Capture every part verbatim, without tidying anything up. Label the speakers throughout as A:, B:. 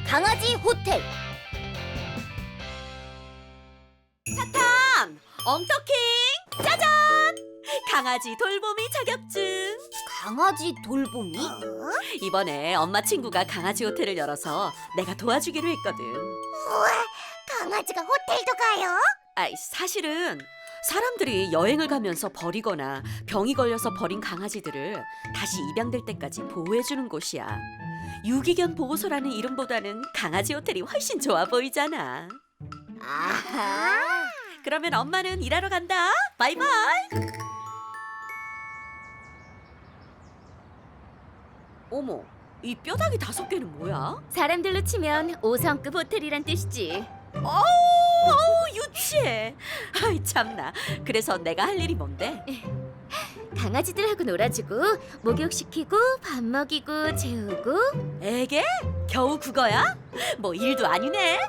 A: 강아지 호텔.
B: 사탕! 엉터킹! 짜잔! 강아지 돌보미 자격증!
A: 강아지 돌보미?
B: 이번에 엄마 친구가 강아지 호텔을 열어서 내가 도와주기로 했거든.
A: 우와, 강아지가 호텔도 가요?
B: 아, 사실은 사람들이 여행을 가면서 버리거나 병이 걸려서 버린 강아지들을 다시 입양될 때까지 보호해주는 곳이야. 유기견 보호소라는 이름보다는 강아지 호텔이 훨씬 좋아 보이잖아.
A: 아하.
B: 그러면 엄마는 일하러 간다. 바이바이. 어머, 이 뼈다귀 다섯 개는 뭐야?
A: 사람들로 치면 오 성급 호텔이란 뜻이지.
B: 어우, 어우, 유치해. 아이 참나. 그래서 내가 할 일이 뭔데?
A: 강아지들하고 놀아주고 목욕시키고 밥 먹이고 재우고.
B: 에게? 겨우 그거야? 뭐 일도 아니네.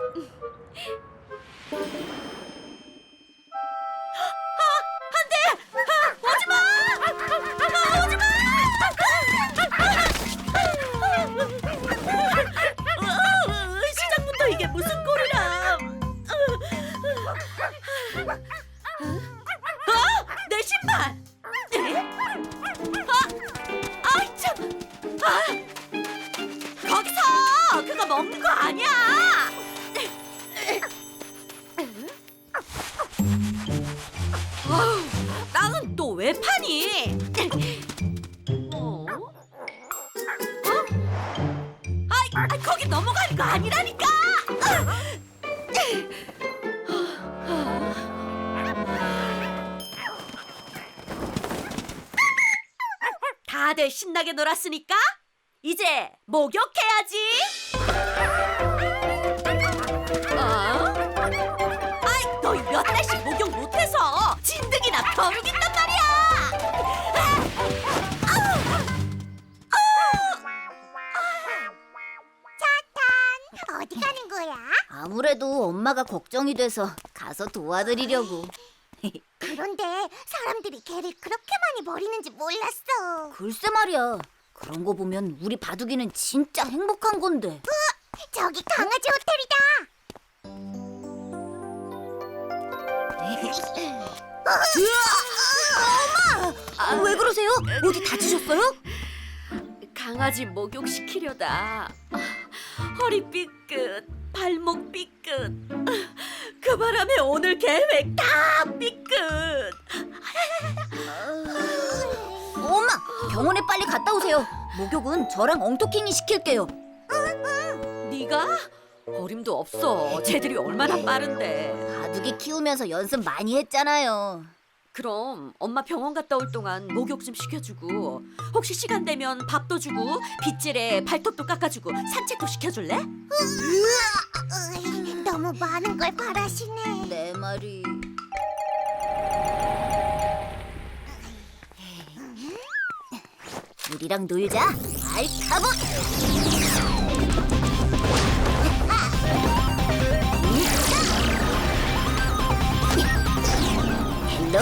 B: 시작부터 이게 무슨 꼴이람? 어? 내 신발! 에? 아, 아이 참! 아, 거기서 그거 먹는 거 아니야! 아우, 땅은 또 왜 파니? 어? 어? 아이, 아이, 거기 넘어가는 거 아니라니까! 다들 신나게 놀았으니까 이제 목욕해야지. 어? 아이, 너희 몇 달씩 목욕 못해서 진드기나 벼룩인단 말이야.
A: 어디 가는 거야? 아무래도 엄마가 걱정이 돼서 가서 도와드리려고.
C: 그런데 사람들이 개를 그렇게 많이 버리는지 몰랐어.
A: 글쎄 말이야. 그런 거 보면 우리 바둑이는 진짜 행복한 건데.
C: 저기 강아지
A: 아, 왜 그러세요? 어디 다치셨어요?
B: 강아지 목욕시키려다 아, 허리 삐끗, 발목 삐끗. 그 바람에 오늘 계획 다 삐끗.
A: 엄마, 병원에 빨리 갔다 오세요. 목욕은 저랑 엉터킹이 시킬게요.
B: 네가? 어림도 없어. 쟤들이 얼마나 빠른데.
A: 바둑이 키우면서 연습 많이 했잖아요.
B: 그럼 엄마 병원 갔다 올 동안 목욕 좀 시켜주고, 혹시 시간 되면 밥도 주고 빗질에 발톱도 깎아주고 산책도 시켜줄래?
C: 으이, 너무 많은 걸 바라시네.
A: 내 말이. 우리랑 놀자, 알카봇. 헬로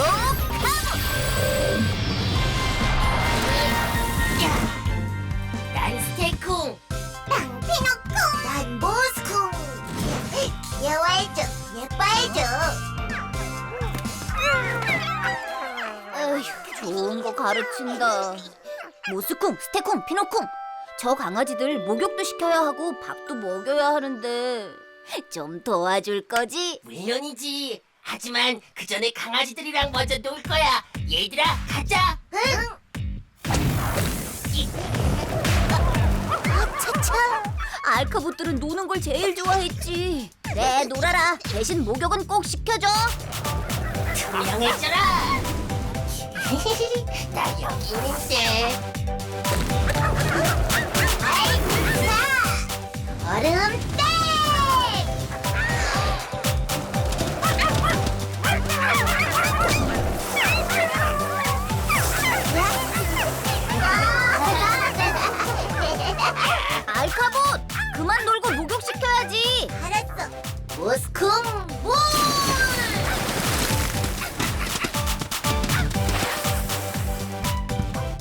C: 난 스테이콩, 난 피노콩, 난 모스콩. 귀여워해줘, 예뻐해줘.
A: 에휴, 좋은 거 가르친다. 모스콩, 스테콩, 피노콩. 저 강아지들 목욕도 시켜야 하고 밥도 먹여야 하는데 좀 도와줄 거지?
D: 물론이지. 하지만 그 전에 강아지들이랑 먼저 놀 거야. 얘들아, 가자.
A: 차차. 알카봇들은 노는 걸 제일 좋아했지. 그래, 놀아라. 대신 목욕은 꼭 시켜줘.
D: 투명해져라. 나 여기 있는데.
C: 얼음 땡!
A: 알카봇, 그만 놀고 목욕 시켜야지.
C: 알았어.
A: 모스콩 물!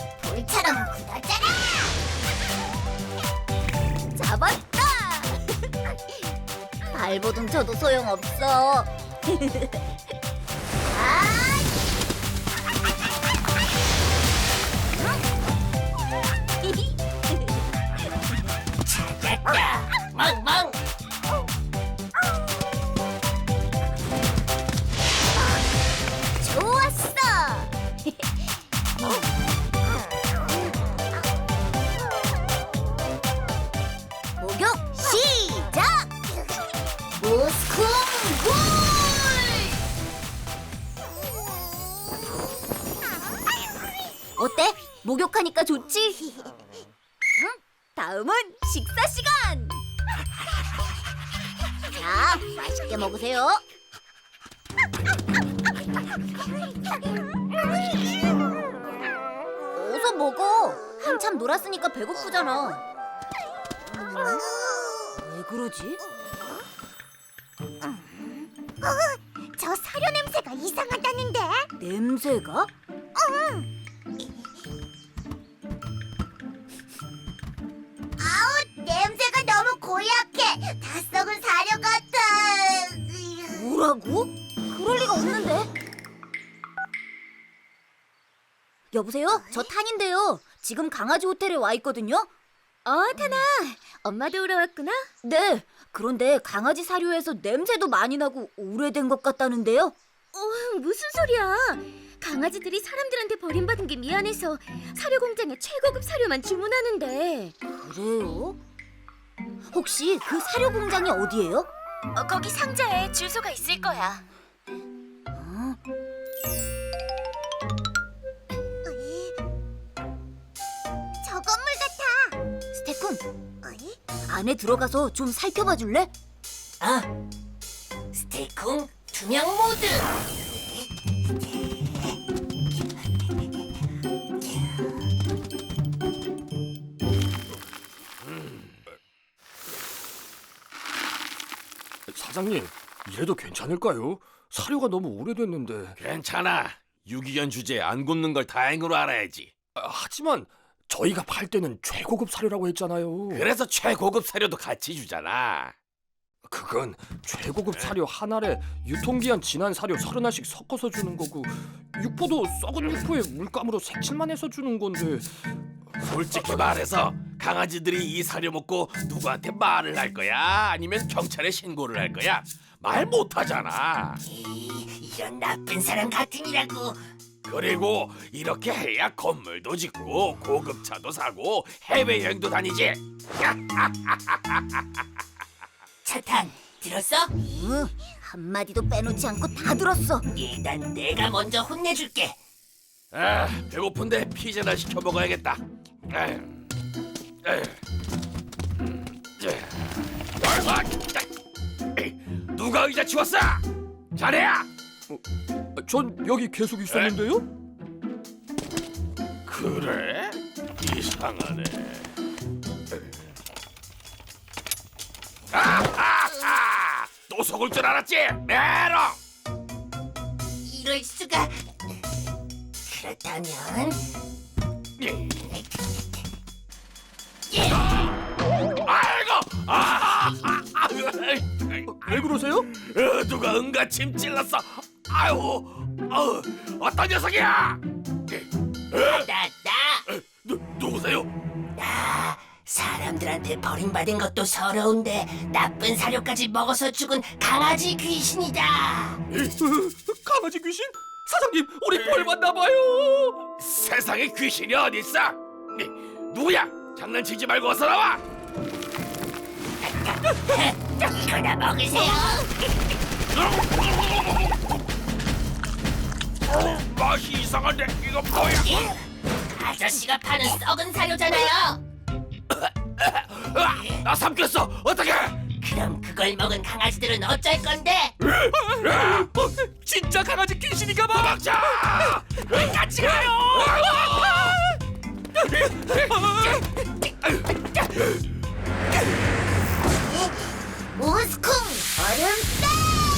C: 돌처럼 굳어져라.
A: 잡았다. 발버둥 쳐도 소용없어.
D: 찾았다. 멍멍.
A: 좋았어. 목욕 시작.
C: 모스콩 굴!
A: 어때? 목욕하니까 좋지? 응? 다음은 식사 시간. 자, 맛있게 먹으세요. 어서 먹어. 한참 놀았으니까 배고프잖아. 왜 그러지?
C: 저 사료 냄새가 이상하다는데?
A: 냄새가?
C: 아우, 냄새가 너무 고약해. 다 썩은 사료 같아.
A: 뭐라고? 그럴 리가 없는데. 여보세요? 저 탄인데요. 지금 강아지 호텔에 와 있거든요.
E: 어, 타나. 엄마도 오러 왔구나.
A: 네. 그런데 강아지 사료에서 냄새도 많이 나고 오래된 것 같다는데요.
E: 어, 무슨 소리야. 강아지들이 사람들한테 버림받은 게 미안해서 사료 공장에 최고급 사료만 주문하는데.
A: 그래요? 혹시 그 사료 공장이 어디예요?
E: 어, 거기 상자에 주소가 있을 거야.
A: 어?
C: 저 건물 같아.
A: 스테쿤,
C: 어이?
A: 안에 들어가서 좀 살펴봐 줄래?
D: 아, 스테이쿵 투명 모드.
F: 사장님, 이래도 괜찮을까요? 사료가 너무 오래됐는데.
G: 괜찮아. 유기견 주제에 안 굽는 걸 다행으로 알아야지.
F: 아, 하지만 저희가 팔 때는 최고급 사료라고 했잖아요.
G: 그래서 최고급 사료도 같이 주잖아.
F: 그건 최고급 사료 한 알에 유통기한 지난 사료 서른 알씩 섞어서 주는 거고, 육포도 썩은 육포에 물감으로 색칠만 해서 주는 건데.
G: 솔직히 말해서 강아지들이 이 사료 먹고 누구한테 말을 할 거야? 아니면 경찰에 신고를 할 거야? 말 못하잖아.
D: 이, 이런 나쁜 사람 같으니라고.
G: 그리고 이렇게 해야 건물도 짓고 고급차도 사고 해외여행도 다니지.
D: 차탄 들었어?
A: 응, 한마디도 빼놓지 않고 다 들었어.
D: 일단 내가 먼저 혼내줄게.
G: 아, 배고픈데 피자나 시켜 먹어야겠다. 에휴, 에휴. 음, 자. 아이고, 아, 자. 에이, 누가 의자 치웠어? 자네야.
F: 아, 전 여기 계속 있었는데요?
G: 그래? 이상하네. 아하하! 또 속을 줄 알았지? 메롱!
D: 이럴 수가. 그렇다면
G: 예. 아이고! 아, 아, 아,
F: 왜 그러세요?
G: 어, 누가 응가 침 찔렀어? 아유, 어, 어떤 녀석이야?
D: 나 나.
G: 누, 누구세요?
D: 나 사람들한테 버림받은 것도 서러운데 나쁜 사료까지 먹어서 죽은 강아지 귀신이다.
F: 강아지 귀신? 사장님, 우리 벌 받나 봐요.
G: 세상에 귀신이 어디 있어? 누구야? 장난치지 말고 어서 나와!
D: 이거나 먹으세요.
G: 어, 맛이 이상한데 이거 뭐야?
D: 아저씨가 파는 썩은 사료잖아요.
G: 아, 나 삼켰어. 어떡해?
D: 그럼 그걸 먹은 강아지들은 어쩔 건데?
F: 어, 진짜 강아지 귀신인가 봐.
G: 도망쳐! 같이 가요!
C: 모스콩 얼음배!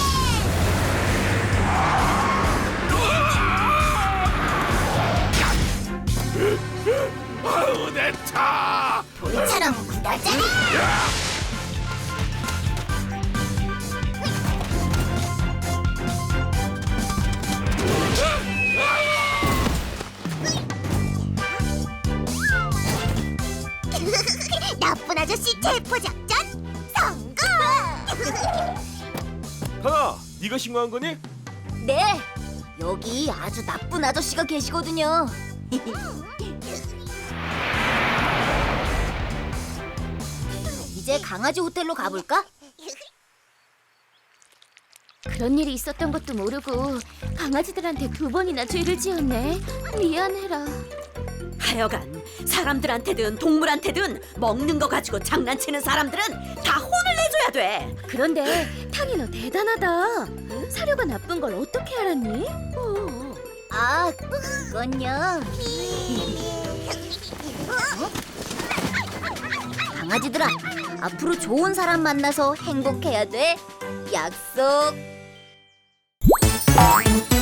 G: 아우 내 차!
C: 돌처럼 굳어져라! 나쁜 아저씨 체포 작전 성공!
G: 강아, 네가 신고한 거니?
A: 네, 여기 아주 나쁜 아저씨가 계시거든요. 이제 강아지 호텔로 가볼까?
E: 그런 일이 있었던 것도 모르고 강아지들한테 두 번이나 죄를 지었네. 미안해라.
B: 하여간 사람들한테든 동물한테든 먹는 거 가지고 장난치는 사람들은 다 혼을 내줘야 돼.
E: 그런데 탕이 너 대단하다. 사료가 나쁜 걸 어떻게 알았니? 어.
A: 아, 그건요. 어? 강아지들아, 앞으로 좋은 사람 만나서 행복해야 돼. 약속.